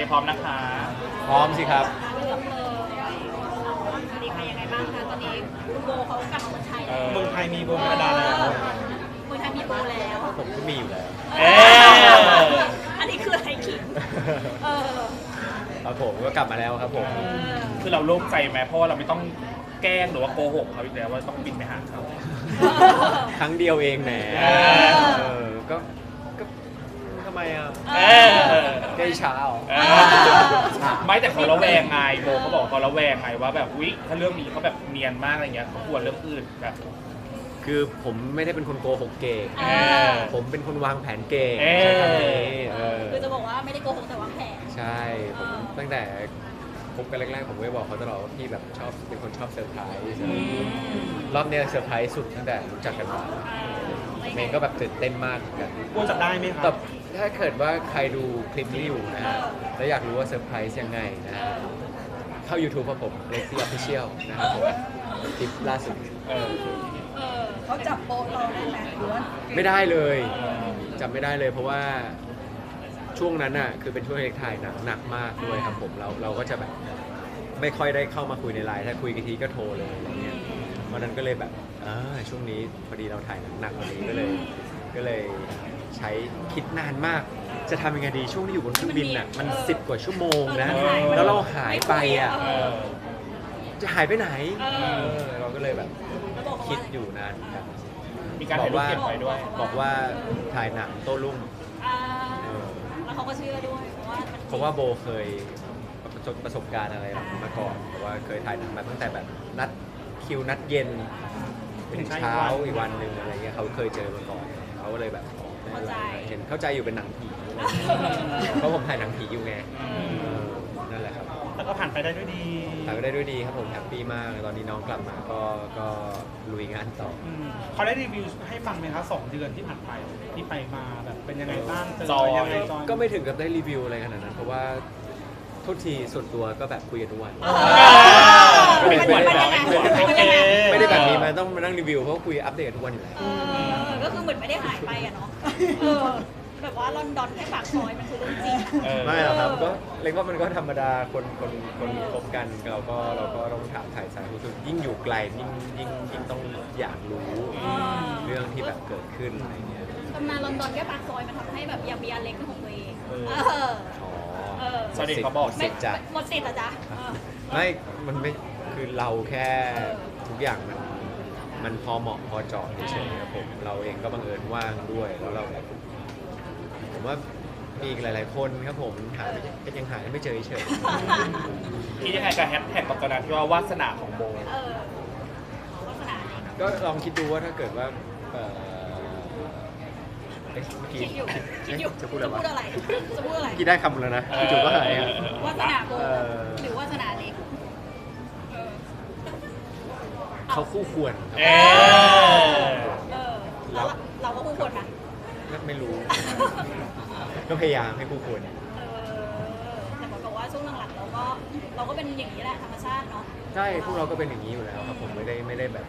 พร้อมนะคะพร้อมสิครับเลือกเลยสวัสดีค่ะยังไงบ้างคะตอนนี้คุณโบเขากลับมาเมืองไทยแล้วเมืองไทยมีโบราณดาแล้วเมืองไทยมีโบแล้วผมก็มีอยู่แล้วเอ๊ะอันนี้คืออะไรขิงเออครับผมก็กลับมาแล้วครับผมคือเราโล่งใจไหมเพราะว่าเราไม่ต้องแกล้งหรือว่าโกหกเขาอีกแล้วว่าต้องบินไปหาเขาครั้งเดียวเองแหมเออก็ทำไมอ่ะเออใกล้เช้าเออไม่แต่เขาระแวงไงโบเขาบอกเขาระแวงไงว่าแบบอุ๊ยถ้าเรื่องนี้เขาแบบเนียนมากอะไรเงี้ยเขากลัวเรื่องอื่นแบบคือผมไม่ได้เป็นคนโกหกเก่งเออผมเป็นคนวางแผนเก่งเออใช้คำนี้คือจะบอกว่าไม่ได้โกหกแต่วางแผนใช่ผมตั้งแต่คบกันแรกๆผมก็บอกเขาตลอดว่าพี่แบบชอบเป็นคนชอบเซอร์ไพรส์รอบเนี้ยเซอร์ไพรส์สุดตั้งแต่รู้จักกันมาเมย์ก็แบบตื่นเต้นมากเหมือนกันโบจับได้ไหมคแต่รับถ้าเกิดว่าใครดูคลิปนี้อยู่นะฮะแล้วอยากรู้ว่าเซอร์ไพรส์ยังไงนะฮะเข้า YouTube ของผม Lexi Official นะครับผมคลิปล่าสุดเออเขาจับโป๊ะเราได้ไหมหรือว่าไม่ได้เลยจำไม่ได้เลยเพราะว่าช่วงนั้นน่ะคือเป็นช่วงเล็กถ่ายหนักมากด้วยครับผมเราก็จะแบบไม่ค่อยได้เข้ามาคุยในไลน์ถ้าคุยกันทีก็โทรเลยอะไรเงี้ยเพราะนั้นก็เลยแบบช่วงนี้พอดีเราถ่ายหนักวันนี้ก็เลยใช้คิดนานมาก จะทำยังไงดีช่วงที่อยู่บนเครื่องบินน่ะมัน10 กว่าชั่วโมงนะแล้วเราหายไปอ่ะเออจะหายไปไหนเราก็เลยแบบคิดอยู่นานครับมีการถ่ายรูปเก็บไว้ด้วยบอกว่าถ่ายหนังโต้รุ่งแล้วเขาก็เชื่อด้วยเพราะว่าเพราะว่าโบเคยประสบการณ์อะไรมาก่อนเพราะว่าเคยถ่ายหนังมาตั้งแต่แบบนัดคิวนัดเย็นเป็นเช้าอีกวันหนึ่งอะไรเงี้ยเขาเคยเจอมาก่อนเขาก็เลยแบบเห็นเข้าใจอยู่เป็นหนังผีเพราะผมถ่ายหนังผีอยู่ไงนั่นแหละครับแต่ก็ผ่านไปได้ด้วยดีถ่ายไปได้ด้วยดีครับผมแฮปปี้มากตอนนี้น้องกลับมาก็ลุยงานต่อเขาได้รีวิวให้ฟังไหมคะ2 เดือนที่ผ่านไปที่ไปมาแบบเป็นยังไงบ้างเจอจอยยังไงจอยก็ไม่ถึงกับได้รีวิวอะไรขนาดนั้นเพราะว่าโทษทีส่วนตัวก็แบบคุยกันทุกวันไม่ควรแบบไม่ควรโอเคไม่ได้แบบนี้มันต้องมานั่งรีวิวเพราะคุยอัปเดตทุกวันอยู่แล้วก็คือเหมือนไม่ได้หายไปอะเนาะแบบว่าลอนดอนแค่ปากซอยมันคือเรื่องจริงเออไม่หรอกครับก็เล็กว่ามันก็ธรรมดาคนคบกันเราก็ต้องถามถ่ายสารทุกข์ยิ่งอยู่ไกลยิ่งต้องอยากรู้เรื่องที่แบบเกิดขึ้นอะไรเงี้ยตำนานลอนดอนแค่ปากซอยมันทำให้แบบอยากมีอันเล็กเป็นของตัวเองอ๋อสวัสดีเขาบอกเสร็จจ้ะหมดสิทธิ์อะจ๊ะไม่มันไม่คือเราแค่ทุกอย่างมันพอเหมาะพอเจาะเฉยๆครับผมเราเองก็บังเอิญว่างด้วยแล้วเราแบบผมว่ามีอีกหลาย ๆ คนครับผมหาก็ยังหาไม่เจอเฉยคิดยังไงกับแฮชแท็กกับตอนนั้นที่ว่าวาสนาของโบวาสนาเนี่ยก็ลองคิดดูว่าถ้าเกิดว่าเมื่อกี้คิดอยู่จะพูดอะไรวะจะพูดอะไรคิดได้คำแล้วนะจู่ๆก็หายอ่ะวาสนาโบหรือวาสนาเล็กเขาคู่ควรครับเออแล้วเราก็คู่ควรนะก็ไม่รู้ ก็พยายามให้คู่ควรแต่บอกว่าช่วงหลังๆเราก็เป็นอย่างนี้แหละธรรมชาติเนาะใช่พวกเราก็เป็นอย่างนี้อยู่แล้วครับผมไม่ได้แบบ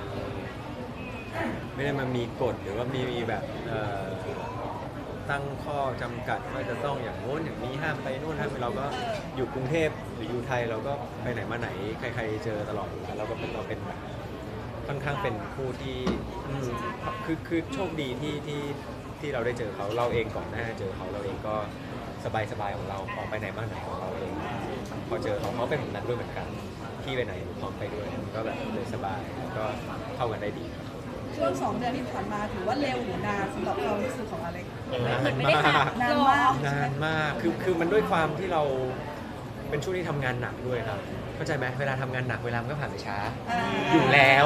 ไม่ได้มามีกฎหรือว่ามีแบบตั้งข้อจำกัดว่าจะต้องอย่างโน้นอย่างนี้ห้ามไปโน่นห้ามไปเราก็อยู่กรุงเทพหรืออยู่ไทยเราก็ไปไหนมาไหนใครๆเจอตลอดอยู่แล้วเราเป็นแบบค่อนข้างเป็นคู่ที่คือโชคดีที่เราได้เจอเขาเราเองก่อนหน้าเจอเขาเราเองก็สบายของเราออกไปไหนมาไหนของเราเองพอเจอเขาเป็นแบบนั้นด้วยเหมือนกันที่ไปไหนพร้อมไปด้วยก็แบบเลยสบายก็เข้ากันได้ดีช่วง2 เดือนที่ผ่านมาถือว่าเร็วหรือนานสำหรับความรู้สึกของอเล็กเหมือนไม่ได้หักนานมากนานมากคือมันด้วยความที่เราเป็นช่วงที่ทำงานหนักด้วยครับเข้าใจไหมเวลาทำงานหนักเวลามันก็ผ่านไปช้า อยู่แล้ว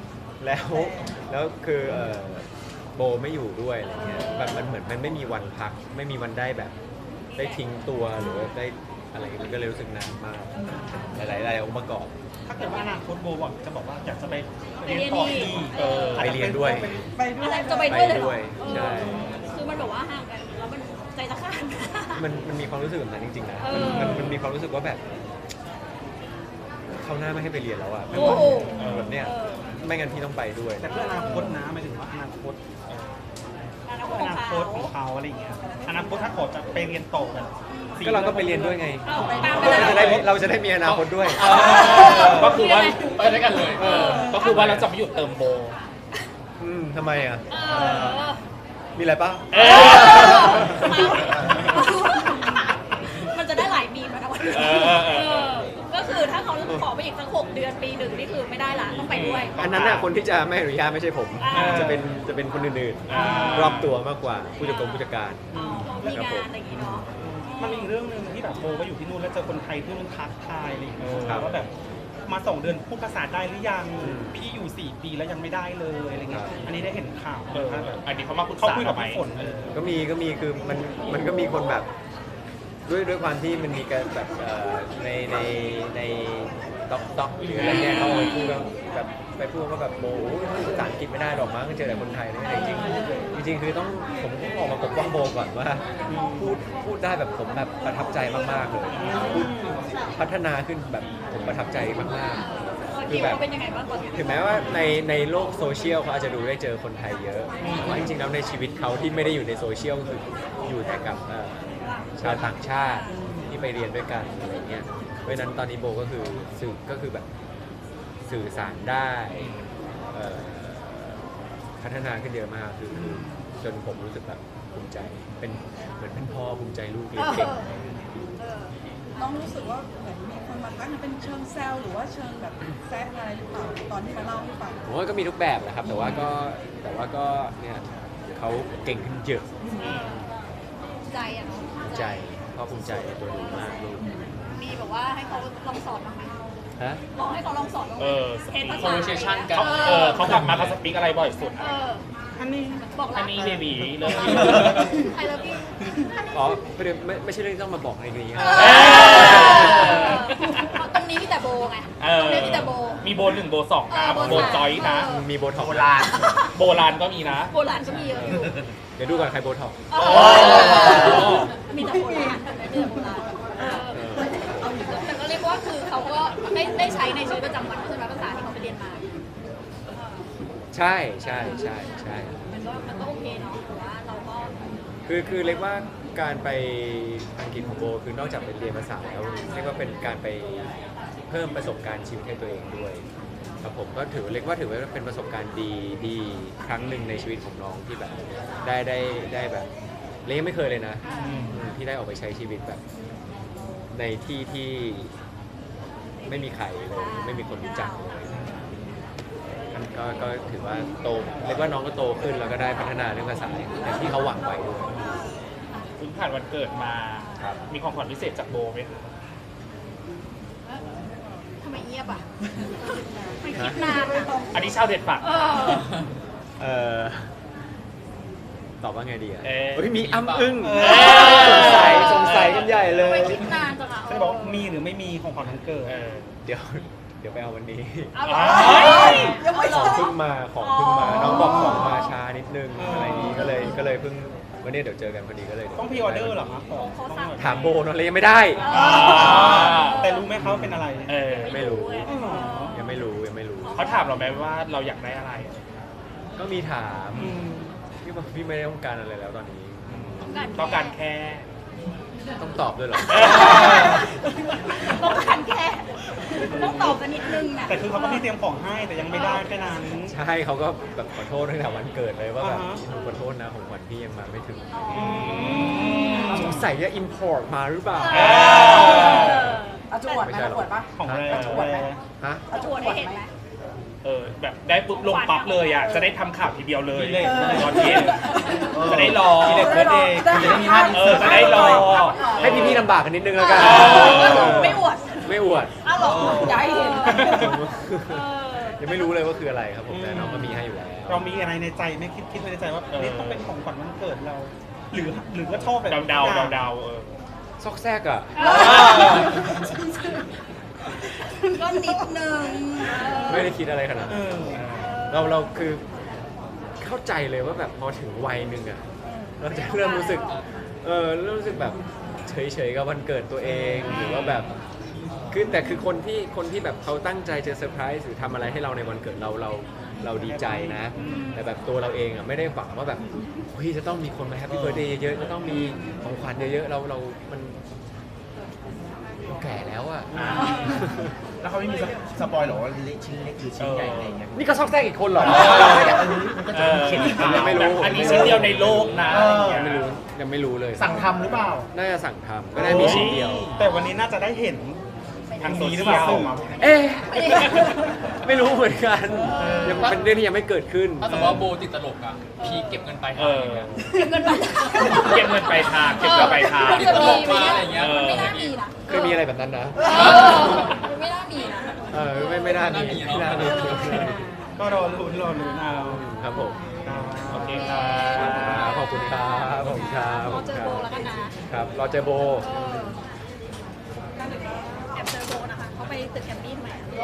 คือโบไม่อยู่ด้วยอะไรเงี้ยแบบมันเหมือนมันไม่มีวันพักไม่มีวันได้แบบได้ทิ้งตัวหรือว่าได้อะไรมันก็เลยรู้สึกนานมากหลายองค์ประกอบถ้าเกิดว่าอนาคตโบบอกว่าอยากจะไปเรียนต่ออีกไปเรียนด้วยไปด้วอะไรยจะไปด้วยเลยเหรด้อวยใช่คือมันแบบว่าห่างกันแล้วมันใจจะขาดมันมีความรู้สึกแบบนั้นจริงๆนะ มันมีความรู้สึกว่าแบบเขาหน้าไม่ให้ไปเรียนแล้วอ่ะโอ้โหแบบเนี้ยไม่งั้นพี่ต้องไปด้วยแต่เพื่ออนาคตนะหมายถึงว่าอนาคตอนาคตของเขาตของเขาอะไรอย่างเงี้ยอนาคตถ้าขอจะไปเรียนต่อแบบก็เราก็ไปเรียนด้วยไงเอาตามไปเราจะได้มีอนาคตด้วยก็คือว่าไปด้วยกันเลยก็คือว่าเราจะไม่หยุดเติมโบทำไมอ่ะเออมีอะไรปะมันจะได้หลายมีมนะวันนี้ก็คือถ้าเขาขอไปอีกสัก6 เดือนปีหนึ่งนี่คือไม่ได้ละต้องไปด้วยอันนั้นน่ะคนที่จะไม่อนุญาตไม่ใช่ผม จะเป็นคนอื่นๆรอบตัวมากกว่าผู้จัดการมีงานอะไรอย่างงี้เนาะมันมีอีกเรื่องหนึ่งที่แบบโบก็อยู่ที่นู่นแล้วเจอคนไทยที่นู่นทักทายอะไรอย่างเงี้ยครับว่าแบบมา2 เดือนพูดภาษาได้หรือยังพี่อยู่4 ปีแล้วยังไม่ได้เลยอะไรเงี้ยอันนี้ได้เห็นข่าวแบบอันนี้เขามาปรึกเขาษาคุยกับทำไมพี่ฝนเลยก็มีคือมันก็มีคนแบบด้วยความที่มันมีการแบบในต็อกหรืออะไรเนี่ยเขาไปพูดแบบไปพูดว่าแบบโอ้ภาษาอังกฤษไม่ได้หรอกมั้งเจอแต่คนไทยเลยจริงคือต้องผมต้องออกมาปกป้องโบก่อนว่าพูดได้แบบผมแบบประทับใจมากๆเลยพูดพัฒนาขึ้นแบบผมประทับใจมากๆคือแบบเป็นยังไงบ้างก่อนถึงแม้ว่าในโลกโซเชียลเขาอาจจะดูได้เจอคนไทยเยอะแต่ว่าจริงๆแล้วในชีวิตเขาที่ไม่ได้อยู่ในโซเชียลคืออยู่แต่กับชาวต่างชาติที่ไปเรียนด้วยกันอะไรเงี้ยเพราะฉะนั้นตอนนี้โบก็คือแบบสื่อสารได้พัฒนาขึ้นเยอะมากคือจนผมรู้สึกแบบภูมิใจเป็นเหมือนเป็นพ่อภูมิใจลูกเรียนเก่งน้องรู้สึกว่าเหมือนมีคนมาทักเป็นเชิงแซวหรือว่าเชิงแบบแซะอะไรหรือเปล่าตอนที่มาเล่าให้ฟังผมว่าก็มีทุกแบบนะครับแต่ว่าก็เนี่ยเขาเก่งขึ้นเยอะใจอ่ะเนาะภูมิใจพ่อภูมิใจในตัวหนูมากลูกมีแบบว่าให้เขาลองสอนบ้างไหมฮะลองให้เขาลองสอนบ้างไหม speak conversation กันเขากลับมาเขาสปีกอะไรบ่อยสุดอันนี้บอกอัรันกนี้เบบีเลย I love you อ๋อไม่ใช่เรื่องที่ต้องมาบอกในนี้ครับตรงนี้มีแต่โบไงตรงนี้มีแต่โบมีโบ1 โบ 2 นะโบโบจอยนะมีโบท็อกซ์โบราณก็มีนะโบราณก็มีเยอะอยู่เดี๋ยวดูก่อนใครโบท็อกซ์มีแต่โบราณมีแต่โบราณแต่ก็เรียกว่าคือเขาก็ได้ใช้ในชีวิตประจำวันใช่ไหมภาษาที่เขาไปเรียนมาใช่มันก็โอเคเนาะแต่ว่าเราก็คือเรียกว่าการไปอังกฤษของโบคือนอกจากไปเรียนภาษาแล้วเรียกว่าเป็นการไปเพิ่มประสบการณ์ชีวิตให้ตัวเองด้วยครับผมก็ถือว่าเป็นประสบการณ์ดีครั้งหนึ่งในชีวิตของน้องที่แบบได้แบบเรียกไม่เคยเลยนะที่ได้ออกไปใช้ชีวิตแบบในที่ไม่มีใครเลยไม่มีคนรู้จักเลยก็ถือว่าโตเรียกว่าน้องก็โตขึ้นแล้วก็ได้พัฒนาเรื่องภาษาอย่างที่เขาหวังไว้ด้วยเพิ่งผ่านวันเกิดมาครับมีของขวัญพิเศษจากโบไหมคะทำไมเงียบอ่ะไม่คิดนานอ่ะอันนี้ชาวเด็ดฝากตอบว่าไงดีอ่ะเอ๊ะเฮ้ยมีอ้ำอึ้งเอ๊ะสงสัยกันใหญ่เลทำไมยคิดนานจังอ่ะจะบอกว่ามีหรือไม่มีของขวัญวันเกิดเดี๋ยวไปเอาวันนี้เอาเหรอยังไม่ของใช่เพิ่งมาน้องบอกของมาช้านิดนึงอะไรนี้ก็เลยเพิ่งวันนี้เดี๋ยวเจอกันพอดีก็เลยต้องพรีออเดอร์เหรอครับของเขาสั่งถามโบเนอะเลยยังไม่ได้แต่รู้ไหมเขาเป็นอะไรไม่รู้อ๋อเหรอยังไม่รู้เขาถามเราไหมว่าเราอยากได้อะไรก็มีถามพี่ไม่ได้ต้องการอะไรแล้วตอนนี้ต้องการแค่ต้องตอบด้วยเหรอต้องการแค่ต้องตอบกันนิดนึงนะแต่คือเขาก็ไม่เตรียมของให้แต่ยังไม่ได้แค่นั้นใช่เขาก็แบบขอโทษตั้งแต่วันเกิดเลยว่าแบบอ่าฮะหนูขอโทษนะของขวัญพี่ยังมาไม่ถึงสงสัยจะอิมพอร์ตมาหรือเปล่าเอาจวดไหมเอาจวดปะของแรเอาจวดไหมฮะเอาจวดให้เห็นไหมแบบได้ปุ๊บลงปั๊บเลยอ่ะ จะได้ทำข่าวทีเดียวเลยดีเลยตอนเย็นจะได้รอดีเลยเบิร์ดเดย์จะได้มีภาพจะได้รอให้พี่ๆลำบากกันนิดนึงแล้วกันไม่อวดไม่อวดอ้าวเหรออย่าให้เห็นยังไม่รู้เลยว่าคืออะไรครับผมแต่น้องก็มีให้อยู่แล้วเรามีอะไรในใจไหมคิดไว้ในใจว่านี่ต้องเป็นของขวัญวันเกิดเรา หรือก็ชอบแบบเดาทุกอย่างซอกแซกอ่ะก็นิดนึงไม่ได้คิดอะไรขนาดเอนั้นอเราคือเข้าใจเลยว่าแบบพอถึงวัยหนึ่งอ่ะเราจะเริ่มรู้สึกเริ่มรู้สึกแบบเฉยๆกับวันเกิดตัวเองหรือว่าแบบคือแต่คือคนที่แบบเขาตั้งใจจะเซอร์ไพรส์หรือทำอะไรให้เราในวันเกิดเราเราดีใจนะ แต่แบบตัวเราเองอ่ะไม่ได้หวังว่าแบบเฮ้ยจะต้องมีคนมาแฮปปี้เบิร์ดเดย์เยอะๆจะต้องมีของขวัญเยอะๆเรามันแก่แล้วอ่ะแล้วเขาไม่มีสปอยหรอว่าเล็กชิ้นเล็กหรือชิ้นใหญ่อะไรอย่างเงี้ยนี่ก็ซอกแซกอีกคนเหรอมันก็จะมีเขียนอีกยังไม่รู้อันนี้ชิ้นเดียวในโลกนะยังไม่รู้เลยสั่งทำหรือเปล่าน่าจะสั่งทำก็ได้มีชิ้นเดียวแต่วันนี้น่าจะได้เห็นทางนี้นี้หหรืรือ อเปเปล่าล่าเอ๊ะไม่รู้เหมือนกันยังเป็นเรื่องที่ยังไม่เกิดขึ้นถ้าสมมติว่าโบติดตลกอ่ะ พีเก็บเงินไปเออเก็บเงินไปเก็บเงินไปทางเก็บเงินไปทางมันจะมีไหมอะไรอย่างเงี้ยมันไม่น่ามีนะเคยมีอะไรแบบนั้นนะมันไม่น่ามีนะไม่น่ามีไม่น่ามีก็รอลุ้นเอาครับผมโอเคครับขอบคุณครับขอบคุณครับเราเจอโบแล้วกันนะครับรอเจอโบแอบเจอโบนะคะเขาไปตึกแกรมมี่